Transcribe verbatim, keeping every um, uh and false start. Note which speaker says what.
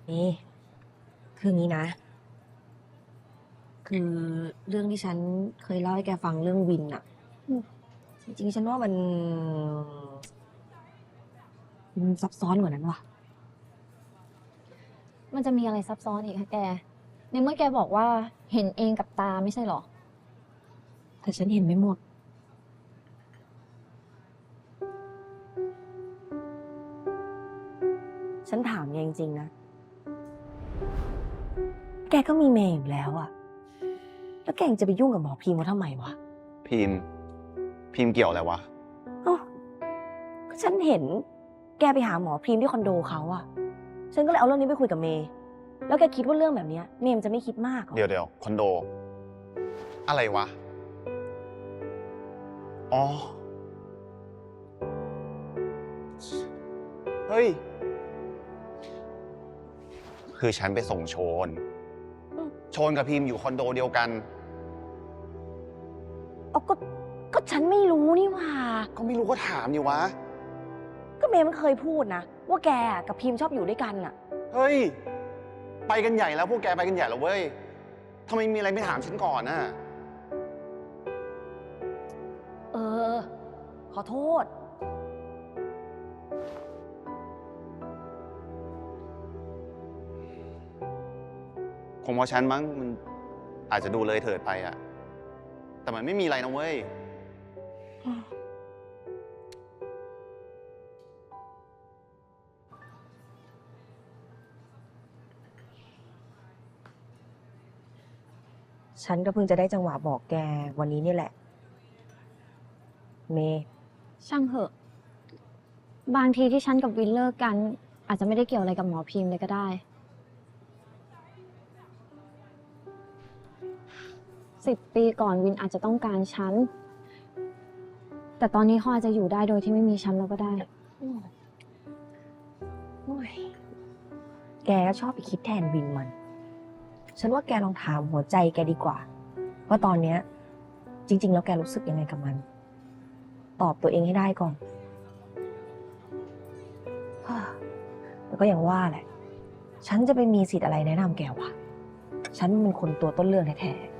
Speaker 1: นี่คืองี้นะ คือเรื่องที่ฉันเคยเล่าให้แกฟังเรื่องวินอะจริงๆฉันว่ามันมันซับซ้อนกว่านั้นว่ะ
Speaker 2: มันจะมีอะไรซับซ้อนอีกคะแก ในเมื่อแกบอกว่าเห็นเองกับตาไม่ใช่หรอ
Speaker 1: แต่ฉันเห็นไม่หมด ฉันถามแกจริงๆนะ แกก็มีเมย์อยู่แล้วอะแล้วแกยังจะไปยุ่งกับหมอพีมเขาทำไมวะ
Speaker 3: พิมพ์พิมพ์เกี่ยวอะไรวะ
Speaker 1: เอ้าก็ฉันเห็น แกไปหาหมอพรีมที่คอนโดเขาอะฉันก็เลยเอาเรื่องนี้ไปคุยกับเมย์ แล้วแกคิดว่าเรื่องแบบเนี้ยเมย์มันจะไม่คิดมากเหรอ
Speaker 3: เดี๋ยวเดี๋ยวคอนโด อะไรวะ อ๋อ เฮ้ย คือฉันไปส่งโชน โชนกับพิมพ์อยู่คอนโดเดียวกัน
Speaker 1: เอาก็ ก็ฉันไม่รู้นี่หว่า
Speaker 3: ก็ไม่รู้ก็ถามอยู่วะ
Speaker 1: ก็เมย์มันเคยพูดนะ ว่าแกกับพิมชอบอยู่ด้วยกันอะ
Speaker 3: เฮ้ย ไปกันใหญ่แล้วพวกแกไปกันใหญ่แล้วเว้ยทำไมมีอะไรไม่ถามฉันก่อนน่ะ
Speaker 1: เออ ขอโทษ
Speaker 3: คงเพราะฉันมั้งมันอาจจะดูเลยเถิดไปอะแต่มันไม่มีอะไรนะเว้ย
Speaker 1: ฉันก็เพิ่งจะได้จังหวะบอกแกวันนี้นี่แหละ เมย์
Speaker 2: ช่างเหอะ บางทีที่ฉันกับวินเลิกกัน อาจจะไม่ได้เกี่ยวอะไรกับหมอพิมพ์เลยก็ได้ สิบปีก่อนวินอาจจะต้องการฉัน แต่ตอนนี้เขาอาจจะอยู่ได้โดยที่ไม่มีฉันแล้วก็ได้
Speaker 1: โอ้ยแกก็ชอบไปคิดแทนวินมัน ฉันว่าแกลองถามหัวใจแกดีกว่า ว่าตอนเนี้ย จริง ๆ แล้วแกรู้สึกยังไงกับมัน ตอบตัวเองให้ได้ก่อน ฮ่าแล้วก็อย่างว่าแหละ ฉันจะไปมีสิทธิ์อะไรแนะนำแกวะ ฉันเป็นคนตัวต้นเรื่องแท้ๆ